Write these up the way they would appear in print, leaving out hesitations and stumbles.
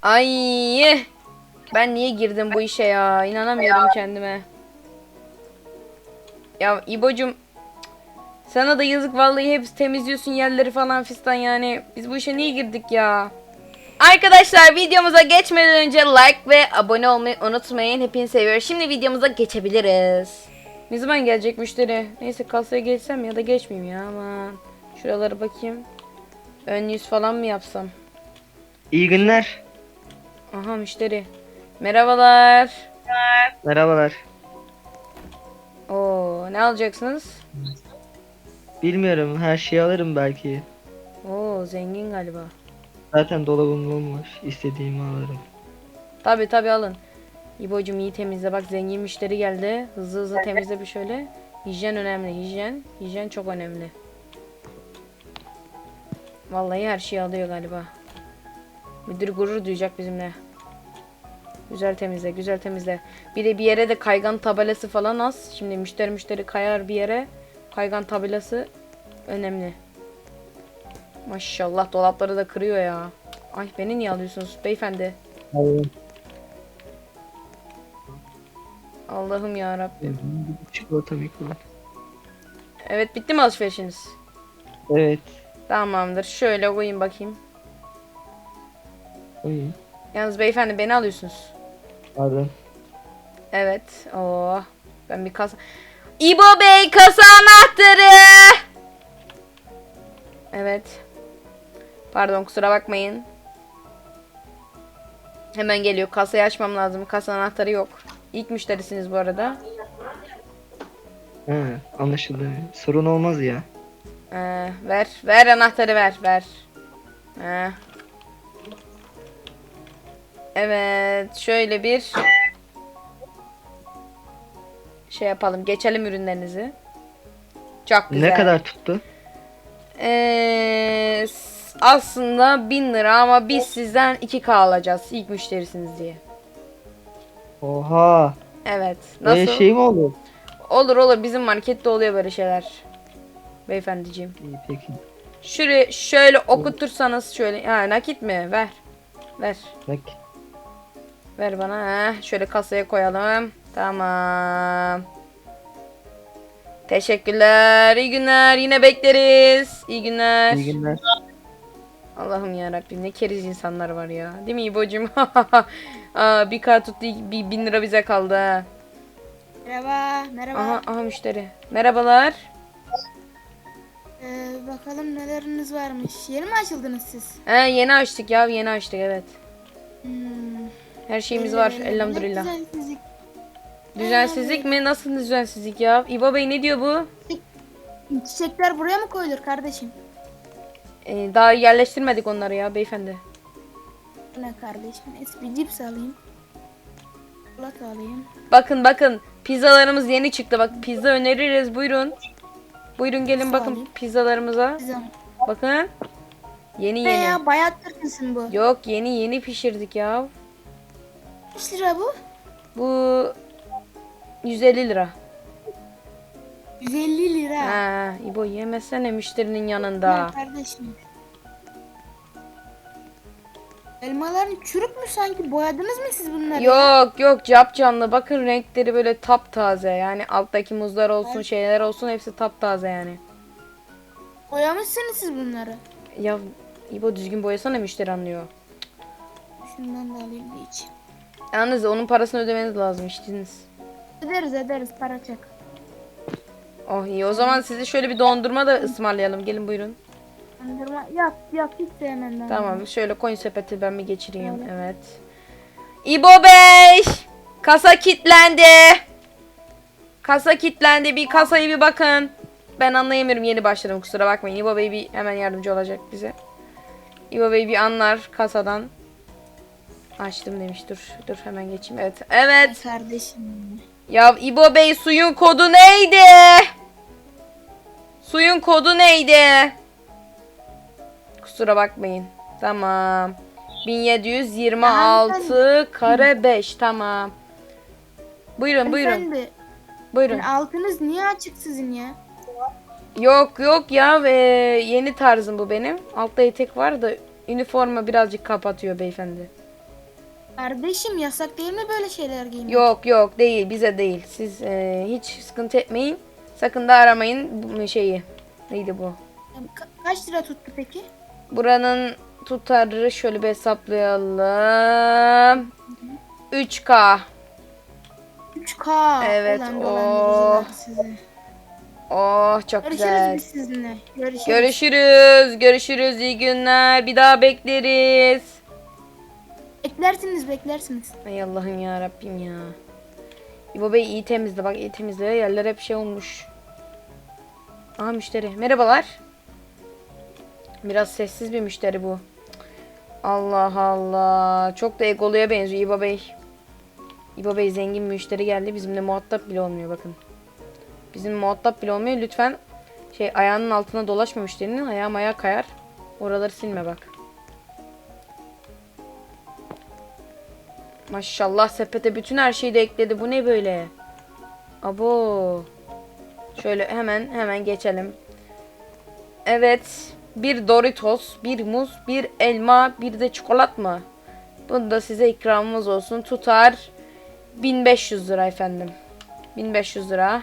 Ay, ben niye girdim bu işe ya? İnanamıyorum kendime. Ya İbocum, sana da yazık vallahi, hep temizliyorsun yerleri falan fistan yani. Biz bu işe niye girdik ya? Arkadaşlar, videomuza geçmeden önce like ve abone olmayı unutmayın. Hepinizi seviyorum. Şimdi videomuza geçebiliriz. Ne zaman gelecek müşteri? Neyse, kasaya geçsem ya da geçmeyeyim ya, aman. Şuralara bakayım. Ön yüz falan mı yapsam? İyi günler. Aha, müşteri. Merhabalar. Merhabalar. Oo, ne alacaksınız? Bilmiyorum, her şeyi alırım belki. Oo, zengin galiba. Zaten dolabım bomboş. İstediğimi alırım. Tabi tabi, alın. İbo'cum iyi temizle, bak zengin müşteri geldi. Hızlı hızlı temizle bir şöyle. Hijyen önemli, hijyen. Hijyen çok önemli. Vallahi her şeyi alıyor galiba. Müdür gurur duyacak bizimle. Güzel temizle, güzel temizle. Bir de bir yere de kaygan tabelası falan az. Şimdi müşteri kayar bir yere. Kaygan tabelası önemli. Maşallah, dolapları da kırıyor ya. Ay, beni niye alıyorsunuz beyefendi? Hayır. Allah'ım ya Rabbim. Çikolata mikro. Evet, bitti mi alışverişiniz? Evet. Tamamdır. Şöyle koyayım bakayım. İyi. Yalnız beyefendi, beni alıyorsunuz. Pardon. Evet. Oo. Ben bir kasa... İbo Bey, kasa anahtarı. Evet. Pardon, kusura bakmayın. Hemen geliyor. Kasayı açmam lazım. Kasa anahtarı yok. İlk müşterisiniz bu arada. He, anlaşıldı. Sorun olmaz ya. Ver. Ver anahtarı, ver. Ver. Ee. Evet. Şöyle bir şey yapalım. Geçelim ürünlerinizi. Çok güzel. Ne kadar tuttu? Aslında 1000 lira ama biz sizden 2K alacağız ilk müşterisiniz diye. Oha. Evet. Böyle Nasıl? şey mi olur? Olur olur, bizim markette oluyor böyle şeyler. Beyefendiciğim. İyi peki. Şuraya şöyle okutursanız şöyle. Ha, nakit mi? Ver. Ver. Bak. Ver bana. Heh, şöyle kasaya koyalım. Tamam. Teşekkürler. İyi günler. Yine bekleriz. İyi günler. İyi günler. Allah'ım ya Rabbim, ne keriz insanlar var ya. Değil mi İbo'cum? Bir kart tuttu, 1000 lira bize kaldı ha. Merhaba, merhaba. Aha müşteri. Merhabalar. Bakalım neleriniz varmış. Yeni mi açıldınız siz? Yeni açtık ya, yeni açtık, evet. Hmm, Her şeyimiz belli var belli. elhamdülillah. Ne düzensizlik. Düzensizlik mi? Nasıl düzensizlik ya? İbo Bey, ne diyor bu? Çiçekler buraya mı koyulur kardeşim? Daha yerleştirmedik onları ya beyefendi. Ne kardeşim? Bir cips alayım. Çikolata alayım. Bakın bakın, pizzalarımız yeni çıktı. Bak, pizza öneririz, buyurun. Buyurun gelin Sağ bakın olun. pizzalarımıza. Güzel. Bakın. Yeni Ne yeni. ya? Bayat Türk'üsün bu. Yok, yeni pişirdik ya. Kaç lira bu? Bu 150 lira. 150 lira. Ha, İbo yemesene müşterinin Ne yanında. kardeşim? Elmaların çürük mü sanki? Boyadınız mı siz bunları? Yok capcanlı. Bakın renkleri böyle taptaze. Yani alttaki muzlar olsun, şeyler olsun, hepsi taptaze yani. Boyamışsınız siz bunları. Ya İbo, düzgün boyasana, müşteri anlıyor. Şundan da alayım bir iç. Yalnız onun parasını ödemeniz lazım, içtiniz. Ederiz para çek. Oh iyi, o zaman size şöyle bir dondurma da ısmarlayalım. Gelin buyurun. Dondurma yok hiç sevmem ben. Tamam, şöyle koyun sepeti, ben bir geçireyim. Evet. İbo Bey! Kasa kilitlendi. Kasa kilitlendi. Bir kasayı bir bakın. Ben anlayamıyorum, yeni başladım, kusura bakmayın. İbo Bey bir hemen yardımcı olacak bize. İbo Bey bir anlar kasadan. Açtım demiş. Dur hemen geçeyim. Evet. Evet. Kardeşim. Ya İbo Bey, suyun kodu neydi? Suyun kodu neydi? Kusura bakmayın. Tamam. 1726 kare 5. Tamam. Buyurun. Hanımefendi, Buyurun. altınız niye açık sizin ya? Yok ya, yeni tarzım bu benim. Altta etek var da üniforma birazcık kapatıyor beyefendi. Kardeşim yasak değil mi böyle şeyler giymek? Yok yok değil, bize değil. Siz hiç sıkıntı etmeyin. Sakın da aramayın bu şeyi. Neydi bu? Kaç lira tuttu peki? Buranın tutarı şöyle bir hesaplayalım. 3K. 3K. Evet, Ulan oh. dolandırıcılar sizi. Oh çok Görüşürüz güzel. biz sizinle. Görüşürüz. Görüşürüz. Görüşürüz. İyi günler. Bir daha bekleriz. Beklersiniz. Ay Allah'ım ya Rabbim ya. İbo Bey iyi temizle. Bak iyi temizle. Yerler hep şey olmuş. Aha müşteri. Merhabalar. Biraz sessiz bir müşteri bu. Allah Allah. Çok da egoluya benziyor İbo Bey. İbo Bey zengin müşteri geldi. Bizimle muhatap bile olmuyor bakın. Bizim muhatap bile olmuyor. Lütfen ayağının altına dolaşma müşterinin. Ayağım ayağa kayar. Oraları silme bak. Maşallah sepete bütün her şeyi de ekledi. Bu ne böyle? Abo. Şöyle hemen geçelim. Evet. Bir Doritos, bir muz, bir elma, bir de çikolat mı? Bunu da size ikramımız olsun. Tutar 1500 lira efendim. 1500 lira.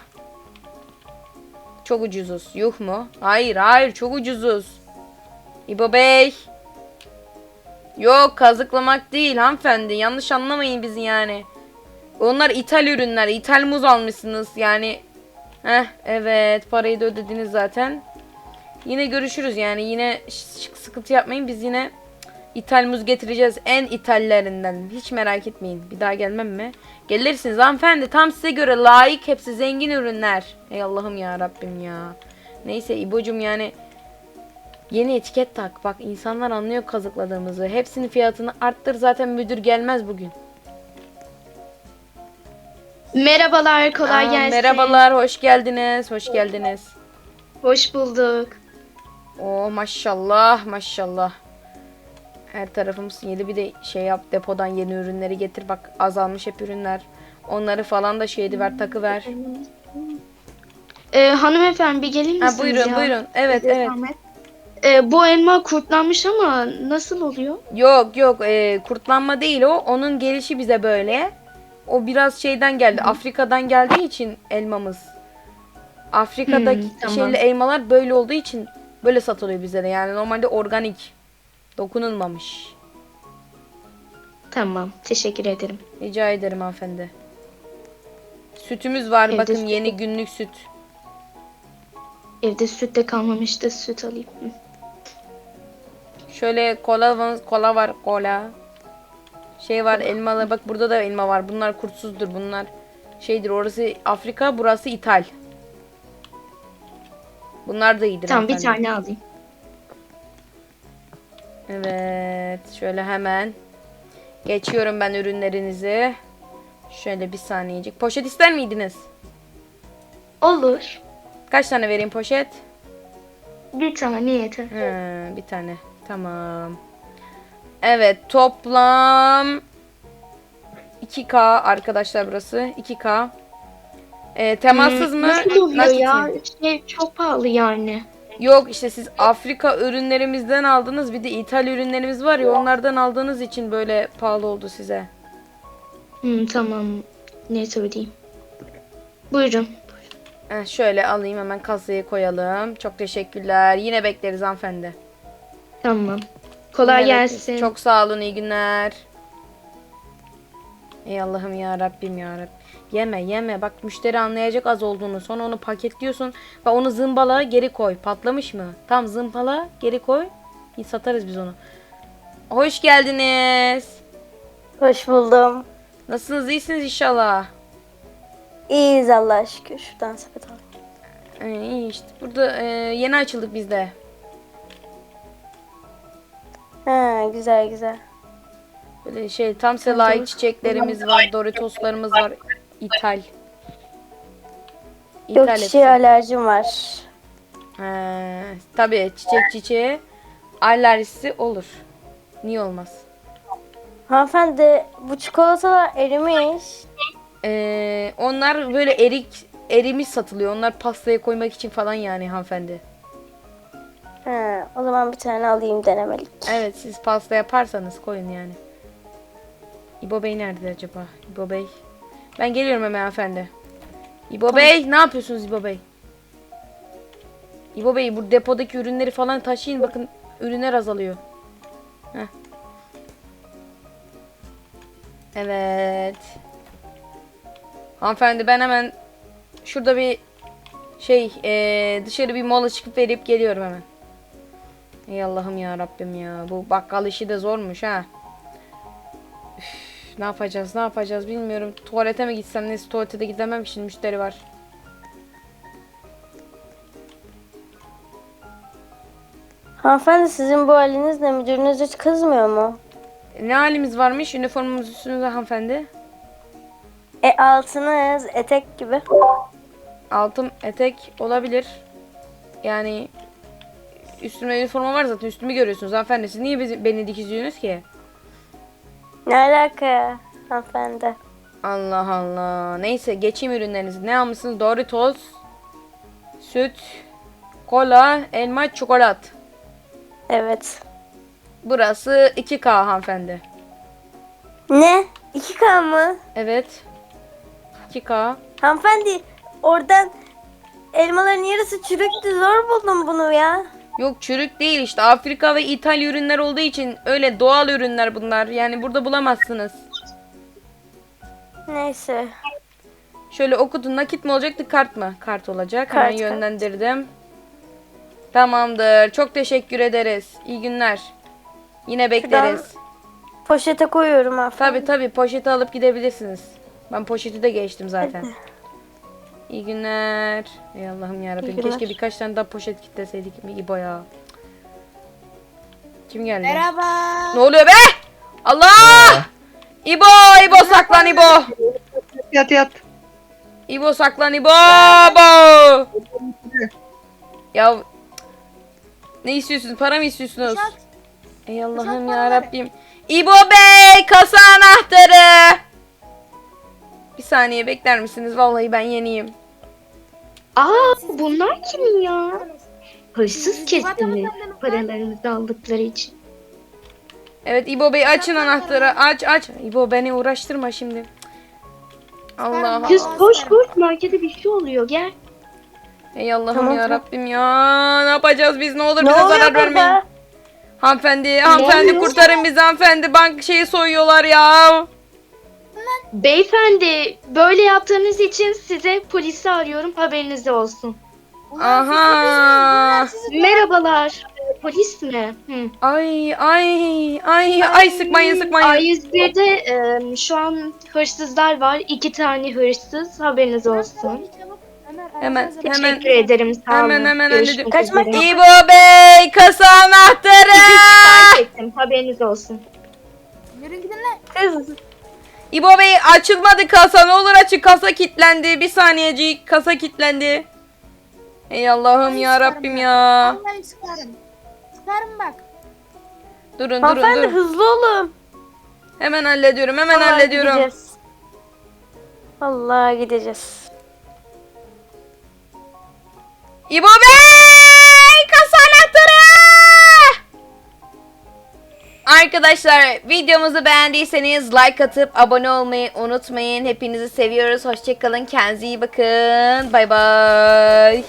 Çok ucuzuz. Yuh mu? Hayır çok ucuzuz. İbo Bey. Yok kazıklamak değil hanımefendi. Yanlış anlamayın bizi yani. Onlar ithal ürünler. İthal muz almışsınız yani. Evet parayı da ödediniz zaten. Yine görüşürüz yani. Yine sıkıntı yapmayın. Biz yine ithal muz getireceğiz. En ithallerinden. Hiç merak etmeyin. Bir daha gelmem mi? Gelirsiniz hanımefendi. Tam size göre layık. Hepsi zengin ürünler. Ey Allah'ım ya Rabbim ya. Neyse İbo'cum yani. Yeni etiket tak. Bak insanlar anlıyor kazıkladığımızı. Hepsinin fiyatını arttır. Zaten müdür gelmez bugün. Merhabalar, kolay gelsin. Merhabalar. Hoş geldiniz. Hoş geldiniz. Hoş bulduk. Oo maşallah maşallah. Her tarafımız yeni bir de yap depodan yeni ürünleri getir. Bak azalmış hep ürünler. Onları falan da ver takı ver. Hanımefendi bir gelir misiniz Buyurun ya? buyurun. Evet. Bu elma kurtlanmış ama nasıl oluyor? Yok kurtlanma değil o. Onun gelişi bize böyle. O biraz şeyden geldi. Afrika'dan geldiği için elmamız. Afrika'daki tamam. elmalar böyle olduğu için böyle satılıyor bize de. Yani normalde organik. Dokunulmamış. Tamam, teşekkür ederim. Rica ederim hanımefendi. Sütümüz var. Evde Bakın süt yeni günlük süt. Evde süt de kalmamıştı, süt alayım. Şöyle kola var kola. Var elmalı. Bak burada da elma var. Bunlar kurtsuzdur. Bunlar orası Afrika, burası İthal. Bunlar da iyidir Tamam, bir hanımefendi. tane alayım. Evet. Şöyle hemen. Geçiyorum ben ürünlerinizi. Şöyle bir saniyecik. Poşet ister miydiniz? Olur. Kaç tane vereyim poşet? Bir tane yeter. Bir tane. Tamam. Evet toplam 2K arkadaşlar burası. 2K. Temassız mı? Nasıl oluyor Nakit ya? mi? Çok pahalı yani. Yok işte siz Afrika ürünlerimizden aldınız. Bir de İthal ürünlerimiz var ya onlardan aldığınız için böyle pahalı oldu size. Tamam. Neyse ödeyeyim. Buyurun. Şöyle alayım hemen kasaya koyalım. Çok teşekkürler. Yine bekleriz hanımefendi. Tamam. Kolay Yine bekleriz. gelsin. Çok sağ olun iyi günler. Ey Allah'ım ya Rabbim ya Rabbim. Yeme bak müşteri anlayacak az olduğunu. Sonra onu paketliyorsun ve onu zımbala geri koy. Patlamış mı? Tam zımbala geri koy. Satarız biz onu. Hoş geldiniz. Hoş buldum. Nasılsınız? İyisiniz inşallah. İyiyiz Allah'a şükür. Şuradan sepet al. İyi işte. Burada yeni açıldık biz de. Ha, güzel. Böyle tam size layık çiçeklerimiz var. Doritoslarımız var. İthal. Yok hepsi. çiçeğe alerjim var. Tabii çiçeğe alerjisi olur. Niye olmaz? Hanımefendi bu çikolatalar erimiş. Onlar böyle erimiş satılıyor. Onlar pastaya koymak için falan yani hanımefendi. Ha, o zaman bir tane alayım denemelik. Evet siz pasta yaparsanız koyun yani. İbo Bey nerede acaba? İbo Bey. Ben geliyorum hemen hanımefendi. İbo Bey ne yapıyorsunuz İbo Bey? İbo Bey bu depodaki ürünleri falan taşıyın. Bakın ürünler azalıyor. Heh. Evet. Hanımefendi ben hemen şurada bir dışarı bir mola çıkıp verip geliyorum hemen. Ey Allah'ım ya Rabbim ya. Bu bakkal işi de zormuş ha. Üf, ne yapacağız bilmiyorum. Tuvalete mi gitsem, neyse tuvalete de gidemem, şimdi müşteri var. Hanımefendi sizin bu halinizle müdürünüz hiç kızmıyor mu? Ne halimiz varmış üniformamız üstünüzde hanımefendi? Altınız etek gibi. Altım etek olabilir. Yani üstümde üniforma var zaten, üstümü görüyorsunuz hanımefendi. Siz niye beni dikizliyorsunuz ki? Ne alaka hanımefendi? Allah Allah. Neyse geçeyim ürünlerinizi. Ne almışsınız? Doritos, süt, kola, elma, çikolat. Evet. Burası 2K hanımefendi. Ne? 2K mı? Evet. 2K. Hanımefendi oradan elmaların yarısı çürüktü. Zor buldum bunu ya. Yok çürük değil işte. Afrika ve İtalya ürünler olduğu için öyle doğal ürünler bunlar. Yani burada bulamazsınız. Neyse. Şöyle okudun, nakit mi olacaktı kart mı? Kart olacak. Hemen Kart. yönlendirdim. Tamamdır. Çok teşekkür ederiz. İyi günler. Yine bekleriz. Poşete koyuyorum hanımefendi. Tabi poşeti alıp gidebilirsiniz. Ben poşeti de geçtim zaten. İyi günler. Ey Allah'ım yarabbim. İyi günler. Keşke birkaç tane daha poşet kitleseydik. İbo ya. Kim geldi? Merhaba. Ne oluyor be? Allah! İbo saklan İbo. Yat. İbo saklan İbo. Bo! Ya ne istiyorsunuz? Para mı istiyorsunuz? Ey Allah'ım ya Rabbim. İbo Bey, kasa anahtarı. Bir saniye bekler misiniz? Vallahi ben yeniyim. Aa, bunlar kimin ya? Hırsız kesin paralarımızı aldıkları için. Evet İbo Bey, açın anahtarı. Aç. İbo beni uğraştırma şimdi. Allah Allah. Kız koş markete bir şey oluyor, gel. Ey Allah'ım Tamam, ya tamam. Rabbim ya. Ne yapacağız biz? Ne olur Ne bize oluyor zarar vermeyin. burada? Hanımefendi oluyor? kurtarın bizi hanımefendi. Bank şeyi soyuyorlar ya. Beyefendi, böyle yaptığınız için size polisi arıyorum, haberiniz olsun. Aha. Merhabalar, polis mi? Hı. Ay sıkmayın. A101'de şu an hırsızlar var. 2 tane hırsız, haberiniz olsun. Hemen. Teşekkür ederim, sağ olun. Hemen Görüşmek hallediyorum. üzere. İbo Bey, kasa anahtarı. Fark ettim, haberiniz olsun. Yürü gidin lan. Kız. İbo Bey, açılmadı kasa. Ne olur açın, kasa kilitlendi. Bir saniyecik, kasa kilitlendi. Ey Allah'ım ya Rabbim ya. Vallahi sıkarım. Sıkarım bak. Durun. Hanımefendi hızlı olun. Hemen hallediyorum. Vallahi gideceğiz. Vallahi gideceğiz. İbo Bey, kasa anahtarı. Arkadaşlar videomuzu beğendiyseniz like atıp abone olmayı unutmayın. Hepinizi seviyoruz. Hoşçakalın. Kendinize iyi bakın. Bay bay.